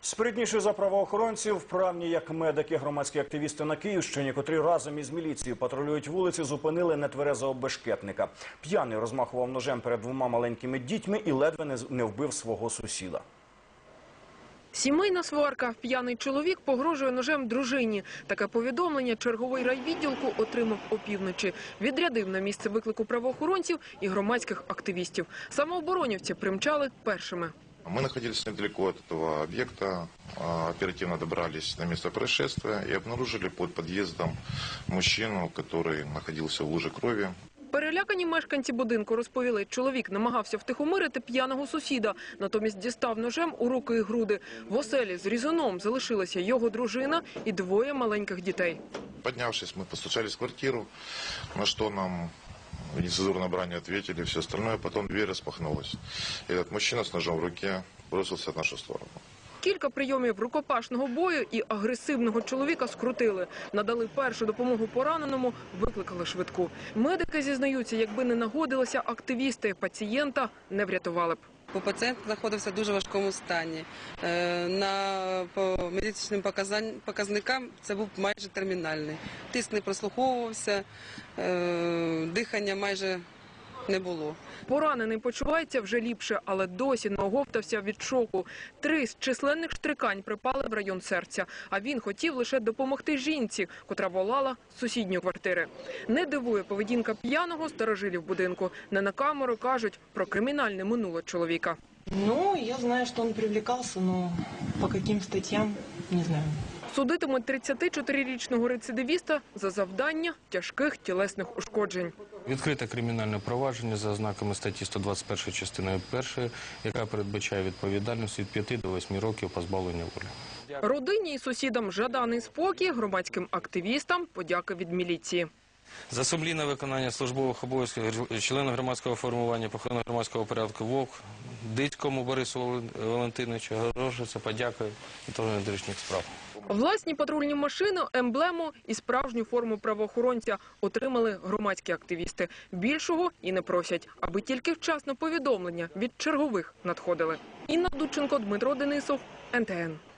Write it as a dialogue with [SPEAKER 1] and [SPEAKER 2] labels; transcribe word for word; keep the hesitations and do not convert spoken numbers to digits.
[SPEAKER 1] Спритніші за правоохоронців, вправні як медики, громадські активісти на Київщині, котрі разом із міліцією патрулюють вулиці, зупинили нетверезого бешкетника. П'яний розмахував ножем перед двома маленькими дітьми і ледве не вбив свого сусіда.
[SPEAKER 2] Сімейна сварка. П'яний чоловік погрожує ножем дружині. Таке повідомлення черговий райвідділку отримав опівночі. Відрядив на місце виклику правоохоронців і громадських активістів. Самооборонівці примчали першими.
[SPEAKER 3] Мы находились недалеко от этого объекта, оперативно добрались на место происшествия и обнаружили под подъездом мужчину, который находился в луже крови.
[SPEAKER 2] Перелякані мешканці будинку розповіли, чоловік намагався втихомирити п'яного сусіда, натомість дістав ножем у руки і груди. В оселі з різоном залишилася його дружина і двоє маленьких дітей.
[SPEAKER 3] Поднявшись, мы постучались в квартиру, на что нам в нецензурной брани ответили, все остальное, потом дверь распахнулась. И этот мужчина с ножом в руке бросился в нашу сторону.
[SPEAKER 2] Кілька прийомів рукопашного бою і агресивного чоловіка скрутили. Надали першу допомогу пораненому, викликали швидку. Медики зізнаються, якби не нагодилися активісти, пацієнта не врятували б.
[SPEAKER 4] Пацієнт знаходився в дуже важкому стані. На, по медичним показникам це був майже термінальний. Тиск не прослуховувався, дихання майже не було.
[SPEAKER 2] Поранений почувається вже ліпше, але досі не оговтався від шоку. Три з численних штрикань припали в район серця, а він хотів лише допомогти жінці, котра волала з сусідньої квартири. Не дивує поведінка п'яного старожилів будинку. Не на камеру кажуть про кримінальне минуле чоловіка.
[SPEAKER 5] Ну, я знаю, що він привлекався, але по яким статтям, не знаю.
[SPEAKER 2] Судитимуть тридцятичотирирічного рецидивіста за завдання тяжких тілесних ушкоджень.
[SPEAKER 6] Відкрите кримінальне провадження за ознаками статті сто двадцять першої частиною першої, яка передбачає відповідальність від п'яти до восьми років позбавлення волі.
[SPEAKER 2] Родині і сусідам жаданий спокій, громадським активістам подяки від міліції.
[SPEAKER 6] За сумлінне виконання службових обов'язків члена громадського формування по охороні громадського порядку ВОК, Дицькому Борису Валентиновичу, Грошиця, подякую управлінню внутрішніх справ.
[SPEAKER 2] Власні патрульні машини, емблему і справжню форму правоохоронця отримали громадські активісти. Більшого і не просять, аби тільки вчасно повідомлення від чергових надходили. Інна Дудченко, Дмитро Денисов, ен те ен.